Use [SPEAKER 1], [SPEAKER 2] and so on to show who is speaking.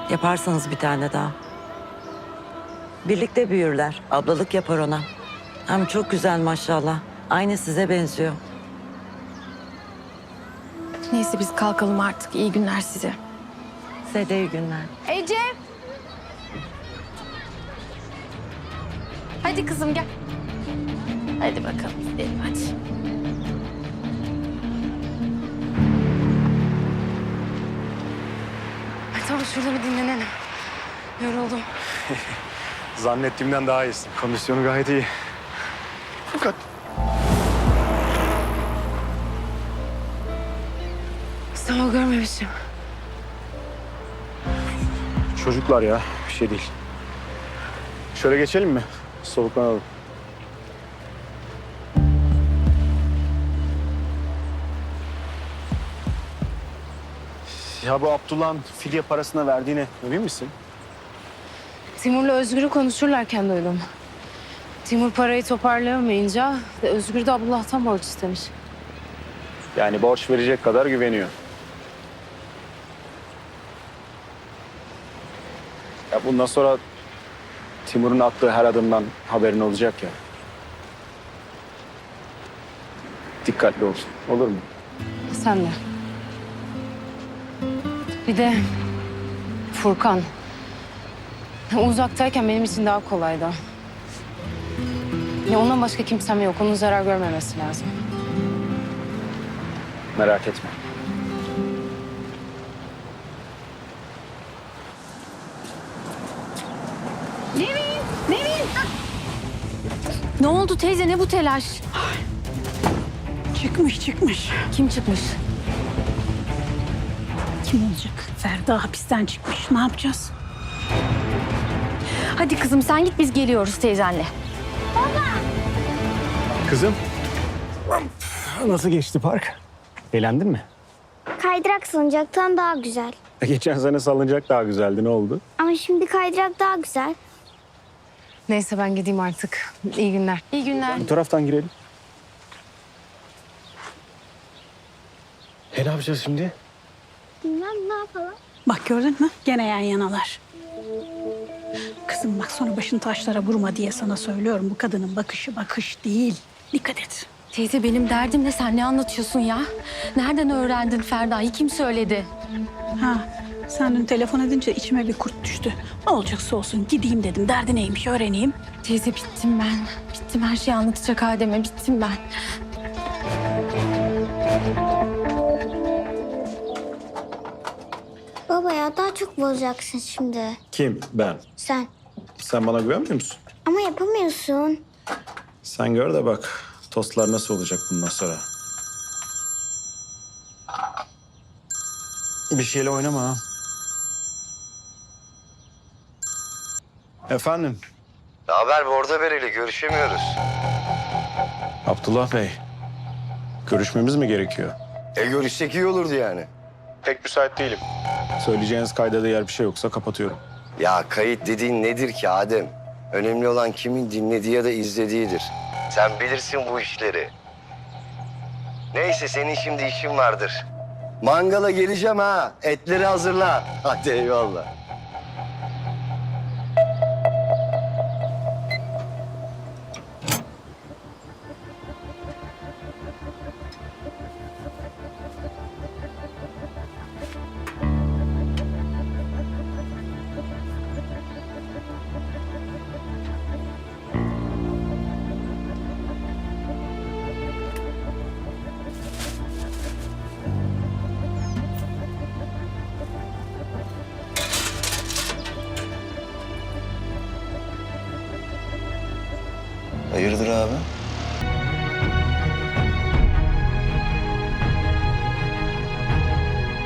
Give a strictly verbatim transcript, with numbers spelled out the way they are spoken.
[SPEAKER 1] Yaparsanız bir tane daha. Birlikte büyürler. Ablalık yapar ona. Hem çok güzel maşallah. Aynı size benziyor.
[SPEAKER 2] Neyse biz kalkalım artık. İyi günler size.
[SPEAKER 1] Size de iyi günler.
[SPEAKER 2] Ece! Hadi kızım gel. Hadi bakalım gidelim hadi. Ay, tamam şurada bir dinlenelim. Yoruldum.
[SPEAKER 3] Zannettiğimden daha iyisin. Kondisyonu gayet iyi. Fakat
[SPEAKER 2] Sağ ol, görmemişim.
[SPEAKER 3] çocuklar ya, bir şey değil. Şöyle geçelim mi? Soluklanalım. Ya bu Abdullah'ın fidye parasına verdiğine emin misin?
[SPEAKER 2] Timur'la Özgür'ü konuşurlarken duydum. Timur parayı toparlayamayınca Özgür de Abdullah'tan borç istemiş.
[SPEAKER 3] Yani borç verecek kadar güveniyor. Ya bundan sonra Timur'un attığı her adımdan haberin olacak ya. Dikkatli ol, olur mu?
[SPEAKER 2] Sen de. Bir de Furkan. Uzaktayken benim için daha kolaydı. Ya ondan başka kimsem yok. Onun zarar görmemesi lazım.
[SPEAKER 3] Merak etme.
[SPEAKER 2] Nevin! Nevin! Ne oldu teyze? Ne bu telaş?
[SPEAKER 4] Çıkmış çıkmış.
[SPEAKER 2] Kim çıkmış?
[SPEAKER 4] Kim olacak? Ferda hapisten çıkmış. Ne yapacağız?
[SPEAKER 2] Hadi kızım sen git biz geliyoruz teyzenle.
[SPEAKER 3] Kızım. Nasıl geçti park? Eğlendin mi?
[SPEAKER 5] Kaydırak salıncaktan daha güzel.
[SPEAKER 3] Geçen sene salınacak daha güzeldi. Ne oldu?
[SPEAKER 5] Ama şimdi kaydırak daha güzel.
[SPEAKER 2] Neyse ben gideyim artık. İyi günler. İyi günler.
[SPEAKER 3] Bu taraftan girelim. E ne yapacağız şimdi?
[SPEAKER 5] Bilmem ne yapalım.
[SPEAKER 4] Bak gördün mü? Gene yan yanalar. Kızım bak sonra başını taşlara vurma diye sana söylüyorum. Bu kadının bakışı bakış değil. Dikkat et.
[SPEAKER 2] Teyze benim derdim ne? Sen ne anlatıyorsun ya? Nereden öğrendin Ferda'yı? Kim söyledi?
[SPEAKER 4] Ha, sen dün telefon edince içime bir kurt düştü. Ne olacaksa olsun gideyim dedim. Derdi neymiş öğreneyim.
[SPEAKER 2] Teyze bittim ben. Bittim, her şeyi anlatacak Adem'e. Bittim ben.
[SPEAKER 5] Baba ya daha çok bozacaksın şimdi.
[SPEAKER 3] Kim? Ben.
[SPEAKER 5] Sen.
[SPEAKER 3] Sen bana güvenmiyor musun?
[SPEAKER 5] Ama yapamıyorsun.
[SPEAKER 3] Sen gör de bak tostlar nasıl olacak bundan sonra. Bir şeyle oynama ha. Efendim?
[SPEAKER 6] Ne haber Borda Bereli? Görüşemiyoruz.
[SPEAKER 3] Abdullah Bey. Görüşmemiz mi gerekiyor?
[SPEAKER 6] E görüşsek iyi olurdu yani.
[SPEAKER 3] Pek müsait değilim. Söyleyeceğiniz kayda değer bir şey yoksa kapatıyorum.
[SPEAKER 6] Ya kayıt dediğin nedir ki Adem? Önemli olan kimin dinlediği ya da izlediğidir. Sen bilirsin bu işleri. Neyse senin şimdi işin vardır. Mangala geleceğim ha. Etleri hazırla. Hadi eyvallah. Hayırdır abi?